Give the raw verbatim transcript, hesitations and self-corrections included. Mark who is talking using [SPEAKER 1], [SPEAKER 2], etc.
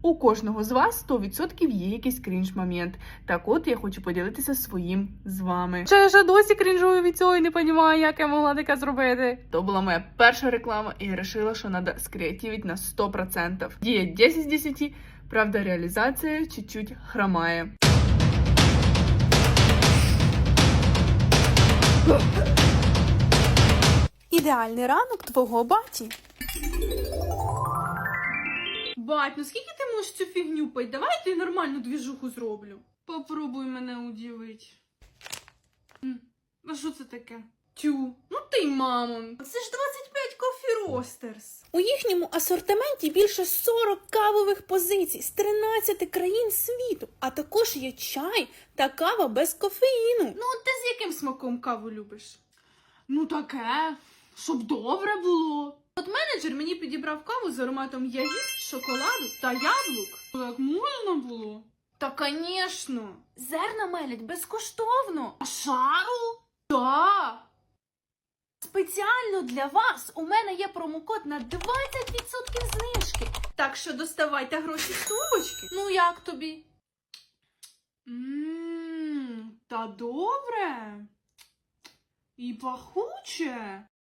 [SPEAKER 1] У кожного з вас сто відсотків є якийсь крінж-момент. Так от, я хочу поділитися своїм з вами. Що я ще досі крінжую від цього і не розумію, як я могла таке зробити. То була моя перша реклама, і я вирішила, що треба скреативити на сто відсотків. Діє десять з десяти, правда, реалізація чуть-чуть хромає.
[SPEAKER 2] Ідеальний ранок твого баті.
[SPEAKER 3] Бать, ну скільки ти можеш цю фігню пить? Давай я тобі нормальну двіжуху зроблю. Попробуй мене удивить. М, А що це таке? Тю, ну ти, мамо. Це ж двадцять п'ять Coffee Roasters.
[SPEAKER 2] У їхньому асортименті більше сорок кавових позицій з тринадцяти країн світу, а також є чай та кава без кофеїну.
[SPEAKER 3] Ну, ти з яким смаком каву любиш? Ну таке, щоб добре було. От менеджер мені підібрав каву з ароматом ягід, шоколаду та яблук. Так можна було? Та, звісно. Зерна мелять безкоштовно. А шару? Так. Спеціально для вас у мене є промокод на двадцять відсотків знижки. Так що доставайте гроші з сумочки. Ну як тобі? Ммм, та добре. І пахуче.